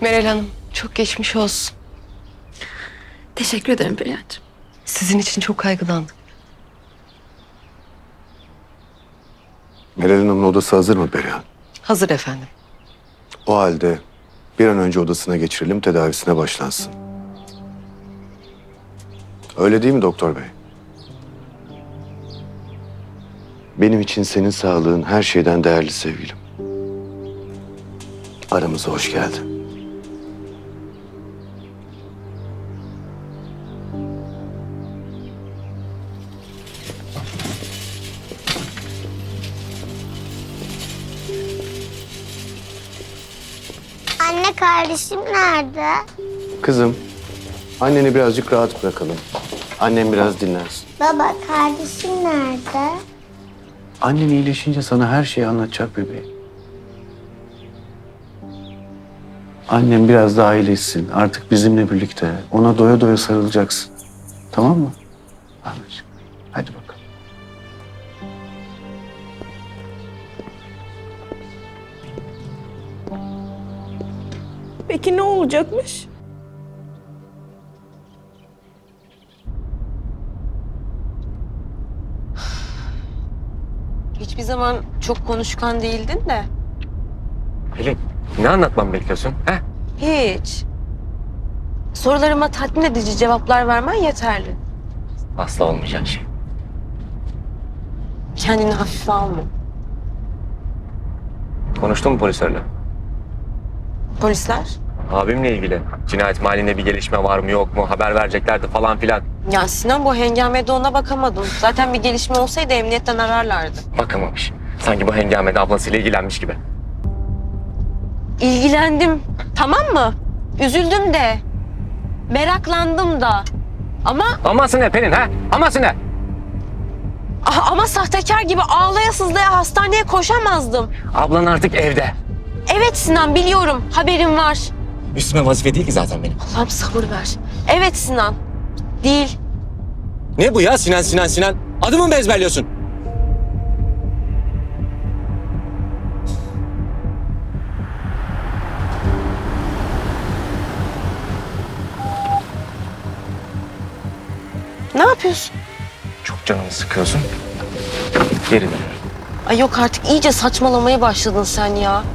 Meral Hanım, çok geçmiş olsun. Teşekkür ederim Perihan'cığım. Sizin için çok kaygılandım. Meral Hanım'ın odası hazır mı Perihan? Hazır efendim. O halde bir an önce odasına geçirelim, tedavisine başlansın. Öyle değil mi doktor bey? Benim için senin sağlığın her şeyden değerli sevgilim. Aramıza hoş geldin. Anne kardeşim nerede? Kızım, anneni birazcık rahat bırakalım. Annem biraz dinlensin. Baba kardeşim nerede? Annen iyileşince sana her şeyi anlatacak bebeğim. Annem biraz daha iyileşsin. Artık bizimle birlikte. Ona doya doya sarılacaksın. Tamam mı? Anneciğim. Hadi bakalım. Peki ne olacakmış? Hiçbir zaman çok konuşkan değildin de. Pelin, ne anlatmamı bekliyorsun? He? Hiç. Sorularıma tatmin edici cevaplar vermen yeterli. Asla olmayacak şey. Kendini hafife alma. Konuştun mu polislerle? Polisler? Abimle ilgili. Cinayet mahallinde bir gelişme var mı yok mu? Haber vereceklerdi falan filan. Ya Sinan, bu hengamede ona bakamadım. Zaten bir gelişme olsaydı emniyetten ararlardı. Bakamamış. Sanki bu hengamede ablasıyla ilgilenmiş gibi. İlgilendim, tamam mı? Üzüldüm de. Meraklandım da. Ama Aması ne Pelin ha? Aması ne? ama sahtekar gibi ağlaya sızlaya hastaneye koşamazdım. Ablan artık evde. Evet Sinan, biliyorum. Haberim var. Üstüme vazife değil ki zaten benim. Allah'ım sabır ver. Evet Sinan. Değil. Ne bu ya Sinan? Adımı mı ezberliyorsun? Ne yapıyorsun? Çok canımı sıkıyorsun. Geri dönüyorum. Ay yok artık, iyice saçmalamaya başladın sen ya.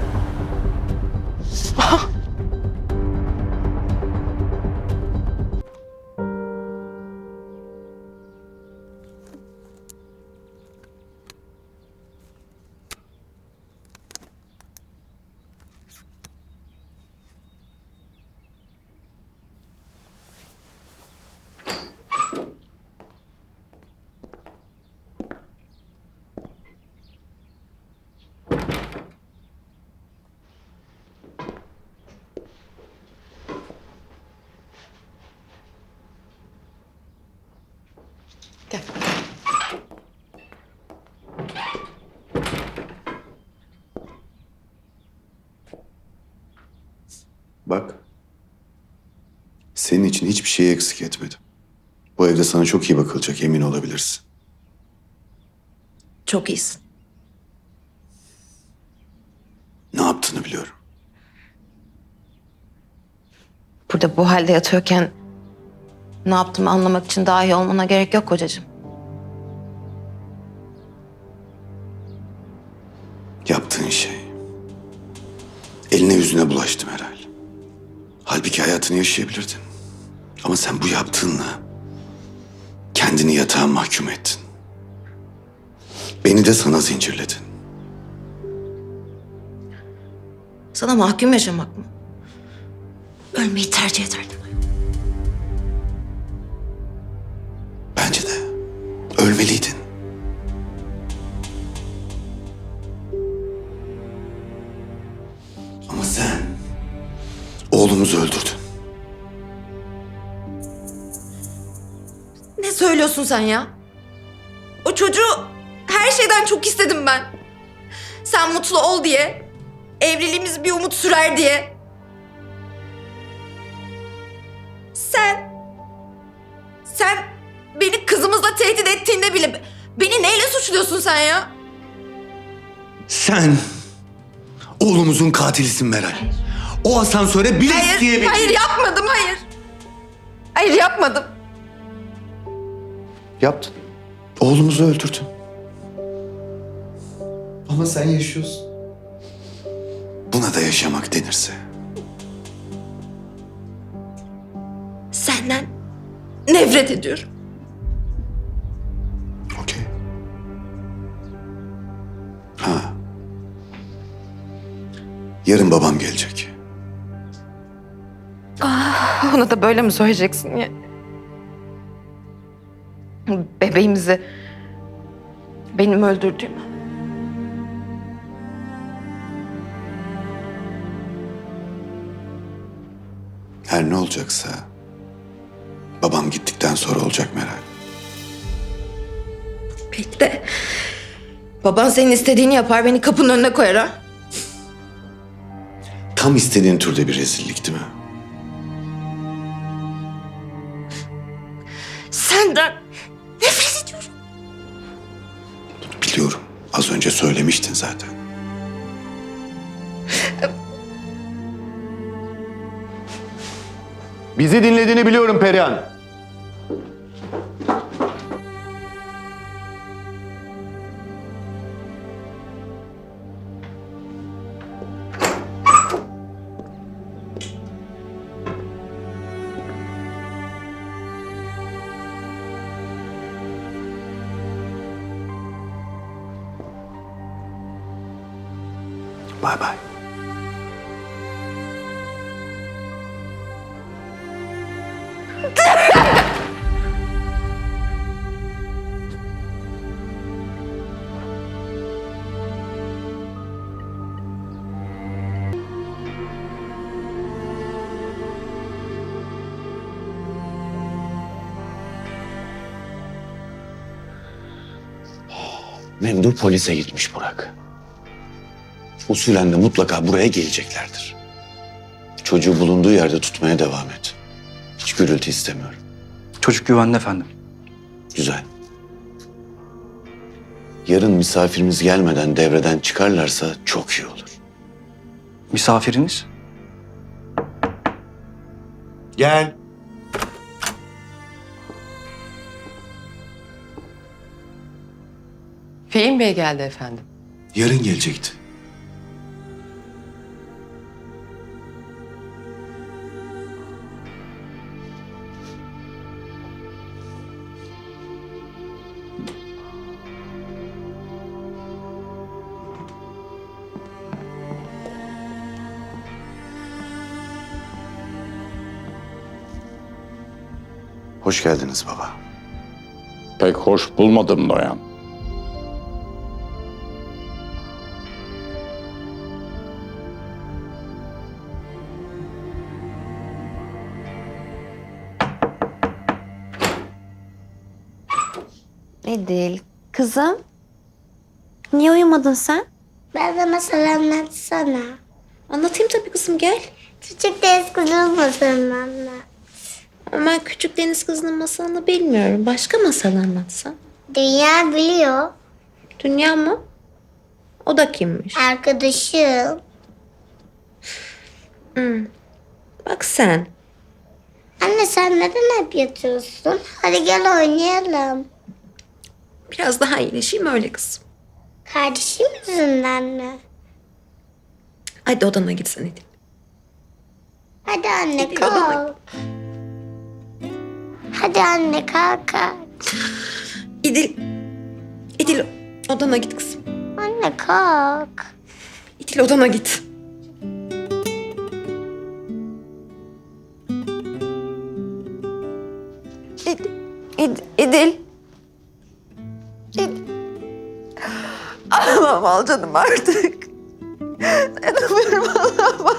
Gel. Bak. Senin için hiçbir şeyi eksik etmedim. Bu evde sana çok iyi bakılacak, emin olabilirsin. Çok iyisin. Ne yaptığını biliyorum. Burada bu halde yatıyorken ne yaptığımı anlamak için daha iyi olmana gerek yok kocacığım. Yaptığın şey eline yüzüne bulaştı Meral. Halbuki hayatını yaşayabilirdin. Ama sen bu yaptığınla kendini yatağa mahkum ettin. Beni de sana zincirledin. Sana mahkum yaşamak mı? Ölmeyi tercih ederdim. Bence de ölmeliydin. Ama sen oğlumuzu öldürdün. Ne söylüyorsun sen ya? O çocuğu her şeyden çok istedim ben. Sen mutlu ol diye. Evliliğimiz bir umut sürer diye. Sen beni kızımızla tehdit ettiğinde bile beni neyle suçluyorsun sen ya? Sen oğlumuzun katilisin Meral. O asansöre bile Hayır, isteyebildin. hayır yapmadım, hayır. Hayır yapmadım. Yaptın. Oğlumuzu öldürdün. Ama sen yaşıyorsun. Buna da yaşamak denirse. Senden nefret ediyorum. Okey. Ha. Yarın babam gelecek. Ona da böyle mi söyleyeceksin ya? Bebeğimizi benim öldürdüğümü. Her ne olacaksa babam gittikten sonra olacak Meral. Belki de baban senin istediğini yapar, beni kapının önüne koyar ha. Tam istediğin türde bir rezillik değil mi? Senden nefret ediyorum. Biliyorum. Az önce söylemiştin zaten. Bizi dinlediğini biliyorum Perihan. Bay bay. Memdur polise gitmiş Burak. Usulen de mutlaka buraya geleceklerdir. Çocuğu bulunduğu yerde tutmaya devam et. Hiç gürültü istemiyorum. Çocuk güvende efendim. Güzel. Yarın misafirimiz gelmeden devreden çıkarlarsa çok iyi olur. Misafiriniz? Gel. Fehim Bey geldi efendim. Yarın gelecekti. Hoş geldiniz baba. Pek hoş bulmadım Noyan. Edil, kızım. Niye uyumadın sen? Ben de masal anlatsana. Anlatayım tabii kızım, gel. Küçük deniz kızının masalını anlat. Ama ben Küçük Deniz Kızı'nın masalını bilmiyorum. Başka masal anlatsan. Dünya biliyor. Dünya mı? O da kimmiş? Arkadaşım. Bak sen. Anne sen neden hep yatıyorsun? Hadi gel oynayalım. Biraz daha iyileşeyim öyle kızım. Kardeşim yüzünden mi? Hadi odana gitsen Edil. Hadi anne Hadi odana kalk. Hadi anne kalk kalk. İdil odana git kızım. Anne kalk. İdil odana git. İdil. Ağlamam al canım artık. Dayanamıyorum, ağlamam.